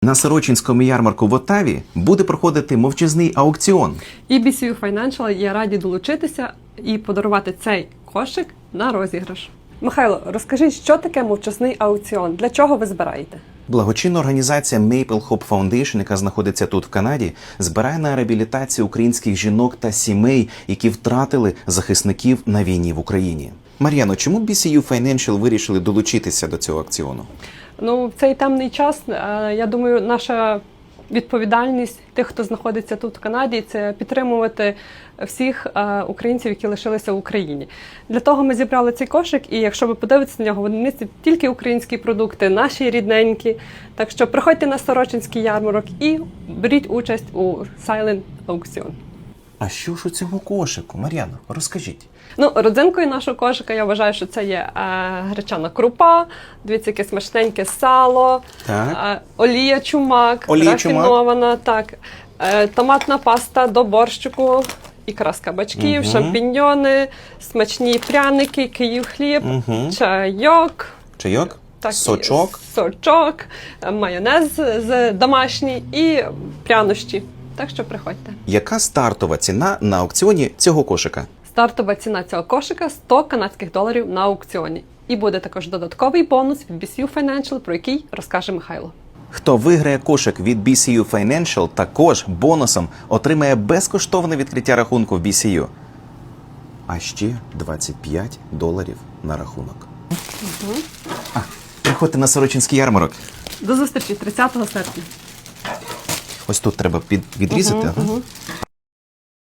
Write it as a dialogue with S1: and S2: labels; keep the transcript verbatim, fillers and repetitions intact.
S1: На Сорочинському ярмарку в Оттаві буде проходити мовчазний аукціон.
S2: І бі сі ю Financial є раді долучитися і подарувати цей кошик на розіграш. Михайло, розкажіть, що таке мовчазний аукціон? Для чого ви збираєте?
S1: Благочинна організація Maple Hope Foundation, яка знаходиться тут в Канаді, збирає на реабілітацію українських жінок та сімей, які втратили захисників на війні в Україні. Мар'яно, чому бі сі ю Financial вирішили долучитися до цього аукціону?
S2: Ну, в цей темний час, е, я думаю, наша відповідальність тих, хто знаходиться тут в Канаді, це підтримувати всіх е, українців, які лишилися в Україні. Для того ми зібрали цей кошик, і якщо ви подивитеся на нього, вони містять тільки українські продукти, наші рідненькі. Так що приходьте на Сорочинський ярмарок і беріть участь у Silent Auction.
S1: А що ж у цьому кошику, Мар'яно, розкажіть.
S2: Ну, родзинкою нашого кошика, я вважаю, що це є е, гречана крупа, дивіться, яке смачненьке сало,
S1: Так.
S2: е, олія чумак,
S1: Олія
S2: рафінована, так, е, томатна паста до борщику, ікра з кабачків,
S1: Мгм.
S2: шампіньйони, смачні пряники, київ хліб,
S1: Мгм.
S2: чайок,
S1: Чайок?
S2: так,
S1: Сочок?
S2: сочок, е, майонез з домашній і прянощі. Так що приходьте.
S1: Яка стартова ціна на аукціоні цього кошика?
S2: Стартова ціна цього кошика – сто канадських доларів на аукціоні. І буде також додатковий бонус від бі сі ю Financial, про який розкаже Михайло.
S1: Хто виграє кошик від бі сі ю Financial, також бонусом отримає безкоштовне відкриття рахунку в бі сі ю. А ще двадцять п'ять доларів на рахунок.
S2: Угу.
S1: А, приходьте на Сорочинський ярмарок.
S2: До зустрічі тридцятого серпня.
S1: Ось тут треба під, відрізати.
S2: Угу,
S1: ага.
S2: угу.